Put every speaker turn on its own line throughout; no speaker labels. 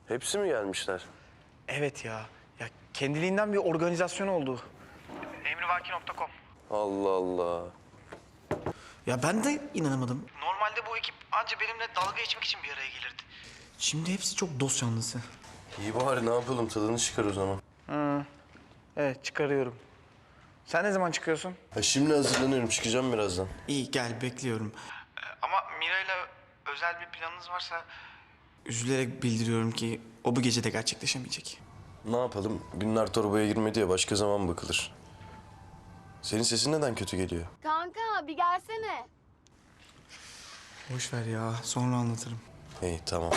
Hepsi mi gelmişler?
Evet ya. Ya kendiliğinden bir organizasyon oldu. Emrivaki.com.
Allah Allah.
Ya ben de inanamadım. Normalde bu ekip anca benimle dalga geçmek için bir araya gelirdi. Şimdi hepsi çok dost canlısı.
İyi bari ne yapalım, tadını çıkar o zaman.
Evet, çıkarıyorum. Sen ne zaman çıkıyorsun?
Ha, şimdi hazırlanıyorum, çıkacağım birazdan.
İyi, gel, bekliyorum. Ama Mira'yla özel bir planınız varsa... Üzülerek bildiriyorum ki o bu gece de gerçekleşemeyecek.
Ne yapalım? Günler torbaya girmedi ya, başka zaman bakılır. Senin sesin neden kötü geliyor?
Kanka bir gelsene.
Boş ver ya, sonra anlatırım.
İyi, tamam.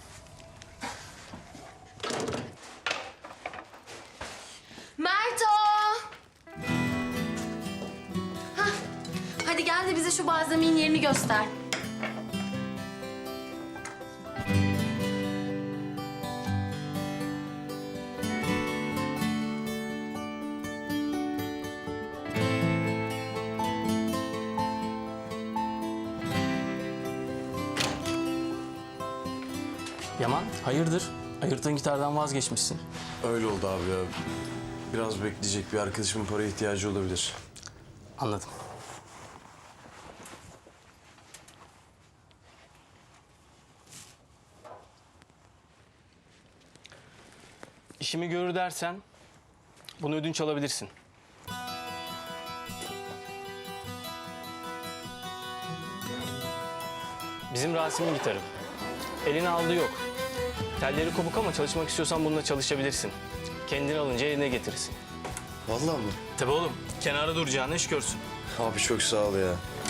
Merto! Hah, hadi gel de bize şu balzamin yerini göster.
Yaman, hayırdır? Ayırttığın gitardan vazgeçmişsin.
Öyle oldu abi ya. Biraz bekleyecek, bir arkadaşımın paraya ihtiyacı olabilir.
Anladım. İşimi görür dersen bunu ödünç alabilirsin. Bizim Rasim'in gitarı. Eline aldığı yok. Telleri kopuk ama çalışmak istiyorsan bununla çalışabilirsin. Kendini alınca eline getirirsin.
Vallahi mı?
Tabii oğlum. Kenara duracağını iş görsün.
Abi çok sağ ol ya.